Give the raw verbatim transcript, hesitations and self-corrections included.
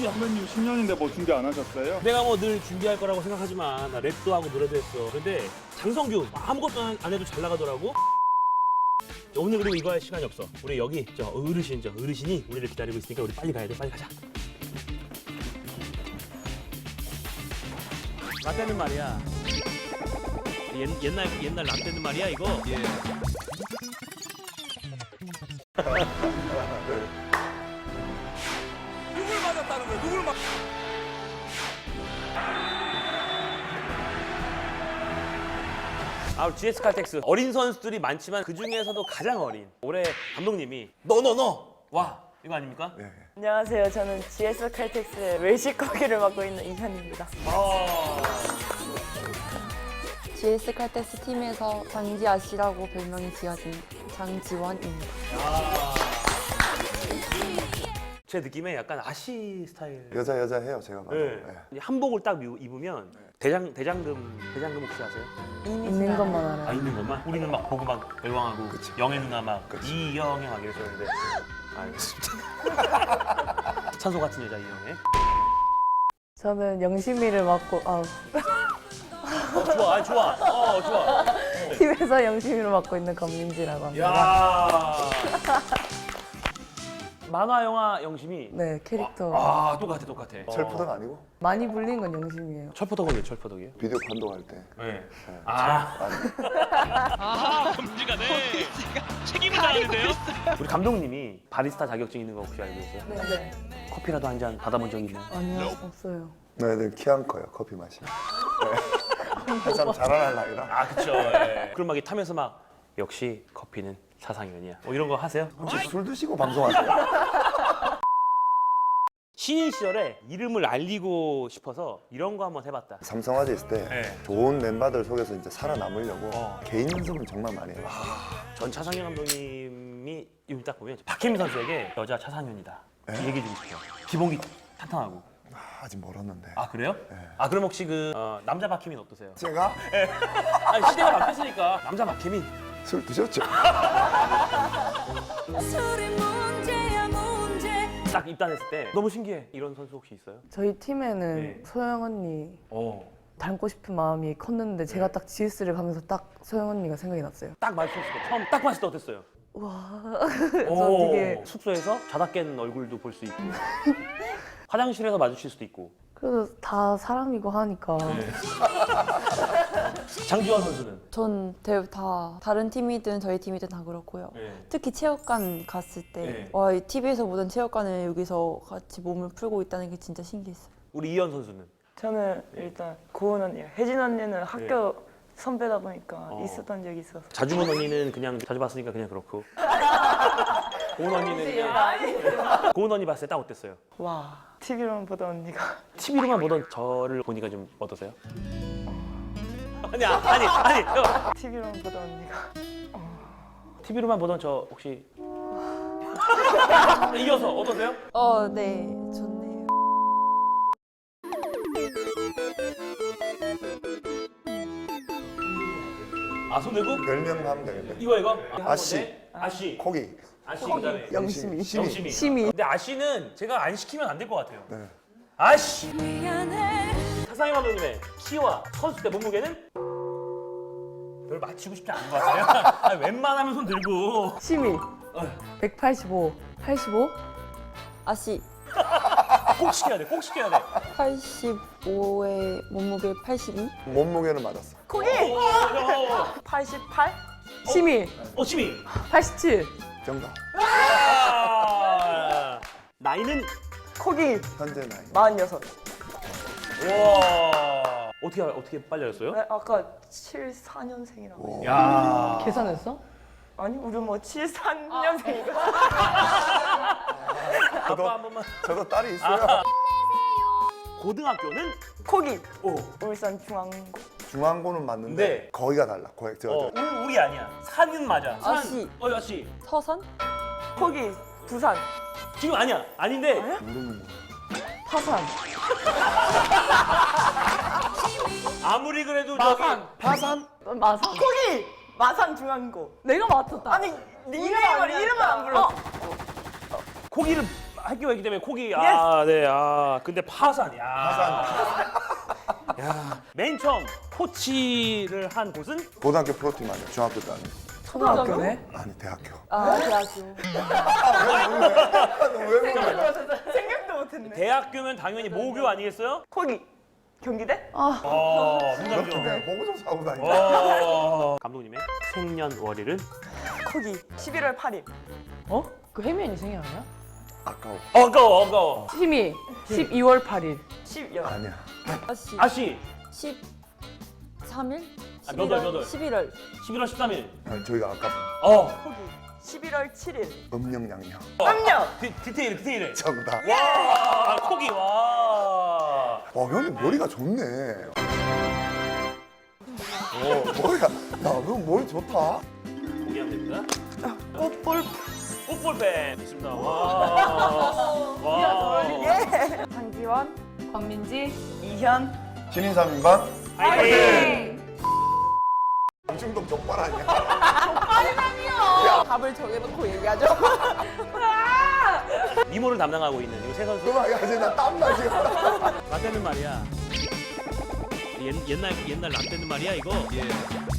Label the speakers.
Speaker 1: 씨 선배님 십 년인데 뭐 준비 안 하셨어요?
Speaker 2: 내가 뭐 늘 준비할 거라고 생각하지만 나 랩도 하고 노래도 했어. 근데 장성규 아무것도 안- 안 해도 잘 나가더라고. 오늘 그리고 이거 할 시간이 없어. 우리 여기 저 어르신 저 어르신이 우리를 기다리고 있으니까 우리 빨리 가야 돼. 빨리 가자. 라떼는 말이야. 옛, 옛날 옛날 라떼는 말이야 이거. 예.
Speaker 3: 누굴 맞았다는 거야? 누굴 맞?
Speaker 2: 아, 지에스 칼텍스 어린 선수들이 많지만 그 중에서도 가장 어린 올해 감독님이
Speaker 3: 너 너 너.
Speaker 2: 와 이거 아닙니까?
Speaker 4: 네.
Speaker 5: 안녕하세요. 저는 지에스 칼텍스의 외식 거기를 맡고 있는 이현입니다.
Speaker 6: 지에스 칼텍스 팀에서 장지아 씨라고 별명이 지어진 장지원입니다.
Speaker 2: 제 느낌에 약간 아시 스타일.
Speaker 4: 여자 여자 해요 제가 봐도.
Speaker 2: 네.
Speaker 4: 네.
Speaker 2: 한복을 딱 입- 입으면 대장 대장금 대장금 혹시 아세요?
Speaker 6: 있는 것만
Speaker 2: 아
Speaker 6: 알아요.
Speaker 2: 있는 것만? 우리는 막 보고 막 열광하고
Speaker 4: 그치.
Speaker 2: 영애 누나 막
Speaker 4: 그치.
Speaker 2: 이영애 막 이랬었는데 알겠습니다. 찬소 같은 여자 이영애.
Speaker 5: 저는 영심이를 맡고 아,
Speaker 2: 어, 좋아, 아니, 좋아. 어 좋아.
Speaker 5: 팀에서 영심이를 맡고 있는 권민지라고 합니다.
Speaker 2: 야. 만화 영화 영심이.
Speaker 5: 네, 캐릭터
Speaker 2: 아 똑같아 똑같아.
Speaker 4: 철푸덕 아니고
Speaker 5: 많이 불린 건 영심이에요.
Speaker 2: 철포덕은 왜 철포덕이에요?
Speaker 4: 비디오 감독할 때.
Speaker 2: 네. 아.
Speaker 4: 아니,
Speaker 2: 검지가 네. 책임을 다하는데요? 우리 감독님이 바리스타 자격증 있는 거 혹시 알고 계세요?
Speaker 5: 네.
Speaker 2: 커피라도 한 잔 받아본 적 있나요?
Speaker 5: 아니요, 없어요.
Speaker 4: 너희들 키 안 커요 커피 마시면. 네. 한참 자라날 나이라.
Speaker 2: 아 그쵸. 예. 그럼 막 이 타면서 막 역시 커피는 사상연이야. 뭐 이런 거 하세요?
Speaker 4: 혹시 술 드시고 방송하세요?
Speaker 2: 신인 시절에 이름을 알리고 싶어서 이런 거 한번 해봤다.
Speaker 4: 삼성화재 있을 때
Speaker 2: 네.
Speaker 4: 좋은 멤버들 속에서 이제 살아남으려고
Speaker 2: 어.
Speaker 4: 개인 연습을 정말 많이 해요.
Speaker 2: 전 차상현 감독님이 이름 딱 보면 박혜민 선수에게 여자 차상현이다. 얘기해주고 싶어요. 기본기 탄탄하고.
Speaker 4: 아, 아직 멀었는데.
Speaker 2: 아 그래요? 아 그럼 혹시 그 어, 남자 박혜민 어떠세요?
Speaker 4: 제가
Speaker 2: 아니 시대가 바뀌었으니까 남자 박혜민.
Speaker 4: 술 드셨죠?
Speaker 7: 술이 문제야 문제.
Speaker 2: 딱 입단했을 때 너무 신기해. 이런 선수 혹시 있어요?
Speaker 5: 저희 팀에는
Speaker 2: 네.
Speaker 5: 소영 언니
Speaker 2: 어.
Speaker 5: 닮고 싶은 마음이 컸는데 제가 딱 지에스를 가면서 딱 소영 언니가 생각이 났어요.
Speaker 2: 딱 마주쳤을 때 처음 딱 봤을 때 어땠어요?
Speaker 5: 와,
Speaker 2: 오,
Speaker 5: 저 되게
Speaker 2: 숙소에서 자다 깬 얼굴도 볼 수 있고 화장실에서 마주칠 수도 있고.
Speaker 5: 그래도 다 사람이고 하니까
Speaker 2: 네. 장지원 선수는?
Speaker 6: 전 대- 다 다른 팀이든 저희 팀이든 다 그렇고요.
Speaker 2: 네.
Speaker 6: 특히 체육관 갔을
Speaker 2: 네.
Speaker 6: 때 와, 이 티비에서 보던 체육관을 여기서 같이 몸을 풀고 있다는 게 진짜 신기했어요.
Speaker 2: 우리 이현 선수는?
Speaker 5: 저는 일단 고은 언니요. 혜진 언니는 학교 선배다 보니까
Speaker 2: 어.
Speaker 5: 있었던 적이 있어서
Speaker 2: 자주문 언니는 그냥 자주 봤으니까 그냥 그렇고 고은 언니는 그냥 고은 언니 봤을 때 딱 어땠어요?
Speaker 5: 와 티비로만 보던 언니가
Speaker 2: 티비로만 보던 저를 보니까 좀 어떠세요? 아니 아, 아니 아니 형,
Speaker 5: 티비로만 보던 언니가
Speaker 2: 티비로만 보던 저 혹시 이겨서 어떠세요?
Speaker 6: 어, 네, 좋네요.
Speaker 2: 아 손들고?
Speaker 4: 별명 하면 되겠네.
Speaker 2: 이거 이거?
Speaker 4: 아씨.
Speaker 2: 아씨
Speaker 4: 코기.
Speaker 2: 아씨 그다음에
Speaker 5: 영심이
Speaker 4: 심이.
Speaker 2: 영심이
Speaker 5: 심이.
Speaker 2: 근데 아씨는 제가 안 시키면 안 될 것 같아요.
Speaker 4: 네.
Speaker 2: 아씨
Speaker 7: 미안해.
Speaker 2: 차상희 감독님의 키와 선수 때 몸무게는 별 맞히고 싶지 않은 것 같아요. 아니, 웬만하면 손 들고
Speaker 5: 심이 백팔십오, 팔십오?
Speaker 6: 아씨,
Speaker 2: 꼭 시켜야 돼. 꼭 시켜야 돼.
Speaker 6: 팔십오에 몸무게 팔십이?
Speaker 4: 몸무게는 맞았어.
Speaker 5: 코기
Speaker 2: 오, 어,
Speaker 5: 팔십팔? 심이
Speaker 2: 어, 시미.
Speaker 5: 팔십칠,
Speaker 4: 정답.
Speaker 2: 아, 나이는
Speaker 5: 코기
Speaker 4: 현재 나이.
Speaker 5: 마흔여섯.
Speaker 2: 와 어떻게 어떻게 빨리 알았어요?
Speaker 5: 네, 아까 칠십사 년생이라고.
Speaker 4: 오.
Speaker 2: 야
Speaker 5: 계산했어? 아니 우리 뭐 칠십삼 년생이고.
Speaker 2: 아빠 한 번만.
Speaker 4: 저도 딸이 있어요.
Speaker 2: 고등학교는
Speaker 5: 코기
Speaker 2: 오.
Speaker 5: 울산 중앙고.
Speaker 4: 중앙고는 맞는데
Speaker 2: 네.
Speaker 4: 거기가 달라. 거기 저,
Speaker 2: 어,
Speaker 4: 저.
Speaker 2: 우- 우리 아니야. 산은 맞아. 산.
Speaker 6: 아씨.
Speaker 2: 어, 아씨.
Speaker 6: 서산?
Speaker 5: 코기 부산.
Speaker 2: 지금 아니야. 아닌데.
Speaker 4: 모르는 거.
Speaker 5: 파산.
Speaker 2: 아무리 그래도
Speaker 5: 마산.
Speaker 4: 파산?
Speaker 5: 마산. 코기 마산 중앙고. 내가 맞췄다. 아니 닉네임을 이름을 안 불렀어.
Speaker 2: 저기 고기를 학교가 있기 때문에 코기. 아, 네. 아, 근데 파산. 야. 야. 맨 처음 코치를 한 곳은
Speaker 4: 고등학교 프로팀 아니야. 중학교 때 아니야.
Speaker 5: 초등학교네.
Speaker 4: 아니 대학교.
Speaker 6: 아 대학교.
Speaker 4: 왜 몰라?
Speaker 5: 생각도 못했네.
Speaker 2: 대학교면 당연히 모교 아니겠어요?
Speaker 5: 거기 경기대?
Speaker 2: 어,
Speaker 4: 그렇게
Speaker 2: 문장교.
Speaker 4: 그냥 보고 좀 사고 다니자.
Speaker 2: 어. 감독님의 생년월일은
Speaker 5: 거기 십일월 팔일.
Speaker 8: 어? 그 혜민이 생일 아니야?
Speaker 4: 아까워.
Speaker 2: 어가워, 어가워.
Speaker 8: 힘이 십이월 팔일.
Speaker 5: 십여.
Speaker 4: 아니야.
Speaker 6: 아씨.
Speaker 2: 아씨,
Speaker 6: 십삼 일?
Speaker 2: 아, 몇 월, 몇 월?
Speaker 6: 십일월.
Speaker 2: 십일월 십삼일.
Speaker 4: 아니, 저희가 아까
Speaker 2: 어.
Speaker 5: 거기 십일월 칠일.
Speaker 4: 음력양력.
Speaker 5: 삼년.
Speaker 2: 디, 디테일, 디테일.
Speaker 4: 정답.
Speaker 2: 와, 코기, 와.
Speaker 4: 어, 형님 머리가 좋네. 어, 머리가, 야, 너 머리 좋다.
Speaker 2: 공개하면 됩니다.
Speaker 5: 꽃볼.
Speaker 2: 꽃볼펜 있습니다. 와. 와.
Speaker 5: 한기원.
Speaker 8: 권민지.
Speaker 5: 이현.
Speaker 4: 신인삼인반
Speaker 2: 파이팅!
Speaker 4: 중독 족발 아니야?
Speaker 6: 답을 정해놓고 얘기하죠.
Speaker 2: 미모를 담당하고 있는 이 세 선수.
Speaker 4: 그만, 야, 이제 나 땀나 지금.
Speaker 2: 라떼는 말이야. 옛, 옛날 옛날 라떼는 말이야 이거. 예.